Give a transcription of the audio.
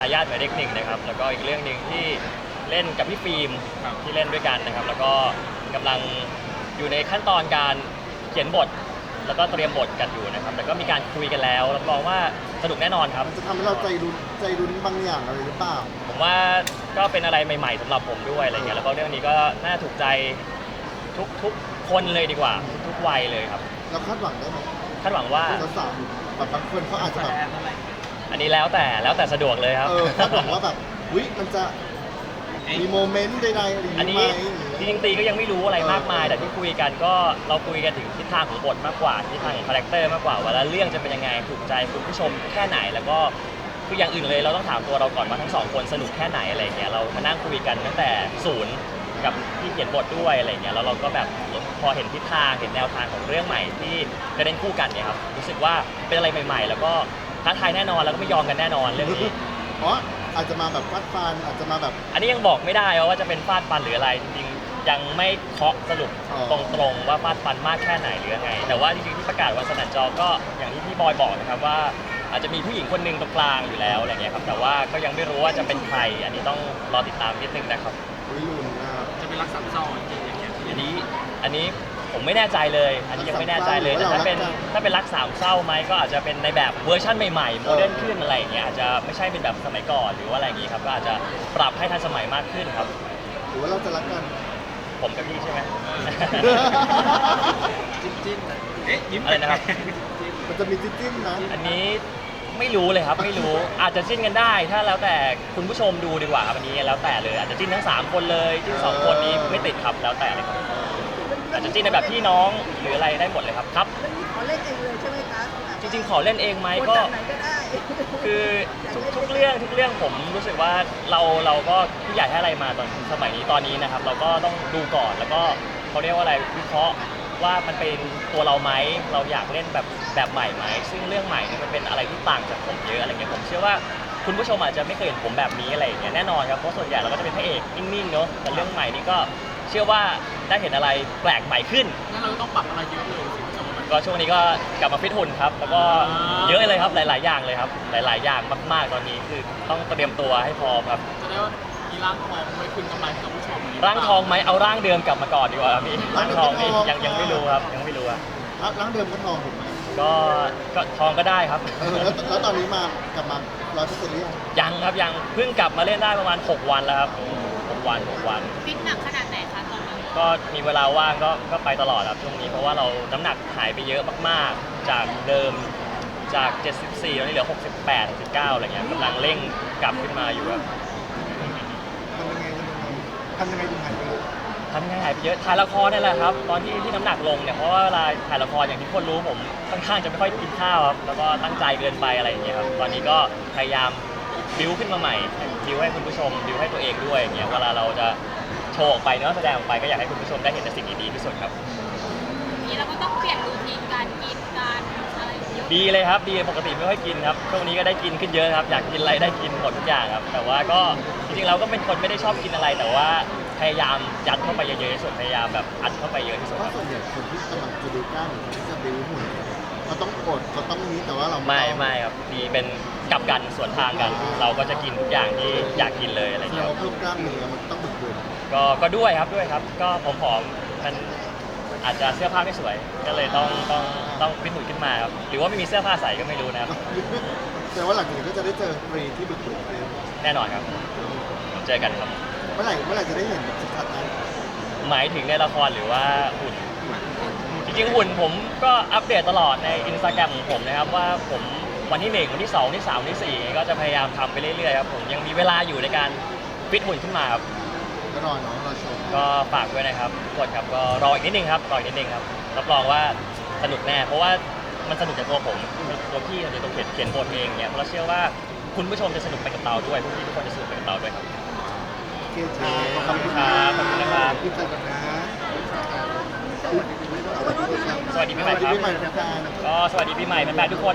ทายาทหมายเลขหนึ่งนะครับแล้วก็อีกเรื่องหนึ่งที่เล่นกับพี่ฟิล์มที่เล่นด้วยกันนะครับแล้วก็กำลังอยู่ในขั้นตอนการเขียนบทแล้วก็เตรียมบทกันอยู่นะครับแต่ก็มีการคุยกันแล้วรับรองว่าสนุกแน่นอนครับมันจะทำให้เราใจรุ้นบางอย่างอะไรหรือเปล่าผมว่าก็เป็นอะไรใหม่ๆสำหรับผมด้วยอะไรเงี้ยแล้วก็เรื่องนี้ก็น่าถูกใจทุกคนเลยดีกว่าทุกวัยเลยครับเราคาดหวังได้ไหมคาดหวังว่าสาวๆแบบบางคนเขาอาจจะแบบอันนี้แล้วแต่สะดวกเลยครับคาดหวังว่าแบบวิมันจะมีโมเมนต์ใดๆอะไรอย่างนี้ไหมจริงๆตีก็ยังไม่รู้อะไรมากมายแต่ที่คุยกันก็เราคุยกันถึงทิศทางของบทมากกว่าทิศทางของคาแรคเตอร์มากกว่าว่าแล้วเรื่องจะเป็นยังไงถูกใจคุณผู้ชมแค่ไหนแล้วก็คืออย่างอื่นเลยเราต้องถามตัวเราก่อนว่าทั้งสองคนสนุกแค่ไหนอะไรเงี้ยเรามานั่งคุยกันตั้งแต่ศูนย์กับที่เขียนบทด้วยอะไรเงี้ยแล้วเราก็แบบพอเห็นทิศทางเห็นแนวทางของเรื่องใหม่ที่จะเล่นคู่กันเนี่ยครับรู้สึกว่าเป็นอะไรใหม่ๆแล้วก็ท้าทายแน่นอนแล้วก็ไม่ยอมกันแน่นอนเรื่องนี้อ๋ออาจจะมาแบบฟาดฟันอาจจะมาแบบอันนี้ยังบอกไม่ได้ว่าจะเป็นฟาดฟันหรืออะไรจริงๆยังไม่เคาะสรุปตรงๆว่าฟาดฟันมากแค่ไหนหรือยังไงแต่ว่าจริงๆที่ประกาศวันสนั่นจอก็อย่างที่พี่บอยบอกนะครับว่าอาจจะมีผู้หญิงคนหนึ่งตรงกลางอยู่แล้วอะไรเงี้ยครับแต่ว่าก็ยังไม่รู้ว่าจะเป็นใครอันนี้ต้องรอติดตามนิดนึงนะครับจะเป็นรักสามเศร้าจริงๆอย่างเงี้ยอันนี้ผมไม่แน่ใจเลยอันนี้ยังไม่แน่ใจเลยแต่ถ้าเป็นรักสามเศร้าไหมก็อาจจะเป็นในแบบเวอร์ชั่นใหม่ๆโมเดิร์นขึ้นอะไรอย่างเงี้ยอาจจะไม่ใช่เป็นแบบสมัยก่อนหรือว่าอะไรอย่างงี้ครับก็อาจจะปรับให้ทันสมัยมากขึ้นครับหรือว่าเราจะรักกันผมกับพี่ใช่ไหมจิ้นยิ้มอะไรนะครับมันจะมีจิ้นนะอันนี้ไม่รู้เลยครับไม่รู้อาจจะจิ้นกันได้ถ้าแล้วแต่คุณผู้ชมดูดีกว่าครับอันนี้แล้วแต่เลยอาจจะจิ้นทั้ง3คนเลยจิ้น2คนนี้ไม่ติดครับแล้วแต่เลยครับอาจจะจิ้นในแบบพี่น้องหรืออะไรได้หมดเลยครับครับขอเล่นเองเลยใช่ไหมคะจริงๆขอเล่นเองไหมก็คือทุกเรื่องผมรู้สึกว่าเราก็ผู้ใหญ่ให้อะไรมาตอนสมัยนี้ตอนนี้นะครับเราก็ต้องดูก่อนแล้วก็เขาเรียกว่าอะไรวิเคราะห์ว่ามันเป็นตัวเราไหมเราอยากเล่นแบบใหม่ไหมซึ่งเรื่องใหม่นี่มันเป็นอะไรที่ต่างจากผมเยอะอะไรเงี้ยผมเชื่อว่าคุณผู้ชมอาจจะไม่เคยเห็นผมแบบนี้อะไรอย่างเงี้ยแน่นอนครับเพราะส่วนใหญ่เราก็จะเป็นพระเอกนิ่งๆเนาะแต่เรื่องใหม่นี่ก็เชื่อว่าได้เห็นอะไรแปลกใหม่ขึ้นงั้นเราต้องปรับอะไรเยอะเลยก็ช่วงนี้ก็กลับมาฟิตหุ่นครับแล้วก็เยอะเลยครับหลายๆอย่างเลยครับหลายๆอย่างมากๆตอนนี้คือต้องเตรียมตัวให้พร้อมครับจะได้ว่ามีร่างทองไว้คืนกำไรกับผู้ชมร่างทองไหมเอาร่างเดิมกลับมาก่อนดีกว่าพี่ร่างทองนี่ยังไม่รู้ครับยังไม่รู้อะร่างเดิมก็ทองถูกไหมก็ทองก็ได้ครับแล้วตอนนี้กลับมา100%หรือยังครับยังเพิ่งกลับมาเล่นได้ประมาณ6 วันแล้วครับ6 วันฟิตหนักขนาดไหนคะตอนนี้ก็มีเวลาว่างก็ไปตลอดครับช่วงนี้เพราะว่าเราน้ำหนักหายไปเยอะมากๆจากเดิมจาก74ตอนนี้เหลือ68 69อะไรเงี้ยกำลังเร่งกลับขึ้นมาอยู่ครับทำยังไงถึงหายไปเยอะหายไปเยอะถ่ายละครนี่แหละครับตอนที่น้ำหนักลงเนี่ยเพราะว่าเวลาถ่ายละครอย่างที่คนรู้ผมค่อนข้างจะไม่ค่อยกินข้าวครับแล้วก็ตั้งใจเกินไปอะไรอย่างเงี้ยครับตอนนี้ก็พยายามบิวขึ้นมาใหม่บิวให้คุณผู้ชมบิวให้ตัวเองด้วยอย่างเงี้ยเวลาเราจะโชว์ออกไปเนาะแสดงออกไปก็อยากให้คุณผู้ชมได้เห็นแต่สิ่งดีๆที่สุดครับนี้เราก็ต้องเปลี่ยนรูทีนการกินการอะไรเยอะดีเลยครับดีปกติไม่ค่อยกินครับช่วงนี้ก็ได้กินขึ้นเยอะครับอยากกินอะไรได้กินหมดทุกอย่างครับแต่ว่าก็จริงๆเราก็เป็นคนไม่ได้ชอบกินอะไรแต่ว่าพยายามยัดเข้าไปเยอะๆที่สุดพยายามแบบอัดเข้าไปเยอะที่สุดเพราะส่วนใหญ่คนที่กำลังจะดูกล้ามหรือที่จะดูหุ่นเขาต้องอดเขาต้องนี้แต่ว่าเราไม่ครับดีเป็นกลับกันสวนทางกันเราก็จะกินทุกอย่างที่อยากกินเลยอะไรเงี้ยเราเพิ่มกล้ามเนื้อมันต้องบึกบึนก็ด้วยครับก็ผอมๆมันอาจจะเสื้อผ้าไม่สวยก็เลยต้องฟิตหุ่นขึ้นมาครับหรือว่าไม่มีเสื้อผ้าใส่ก็ไม่รู้นะครับแต่ว่าหลังจากนี้ก็จะได้เจอฟรีที่บึกบึนแน่นอนครับเจอกันครับเมื่อไหร่จะได้เห็นแบบชัดๆนั้นหมายถึงในละครหรือว่าหุ่นจริงๆหุ่นผมก็อัปเดตตลอดใน Instagram ของผมนะครับว่าผมวันที่1วันที่2วันที่3วันที่4ก็จะพยายามทำไปเรื่อยๆครับผมยังมีเวลาอยู่ในการฟิตหุ่นขึ้นมาครับก็รอเนาะรอชมก็ฝากด้วยนะครับทุกคนครับก็รออีกนิดนึงครับรับรองว่าสนุกแน่เพราะว่ามันสนุกจากตัวผมตัวพี่ตัวเขียนบทเองเนี่ยเราเชื่อว่าคุณผู้ชมจะสนุกไปกับเราด้วยพี่ทุกคนจะสนุกไปกับเราด้วยครับโอเคขอบคุณครับขอบคุณนะครับพี่จันนะสวัสดีปีใหม่ครับก็สวัสดีปีใหม่แฟนๆทุกคน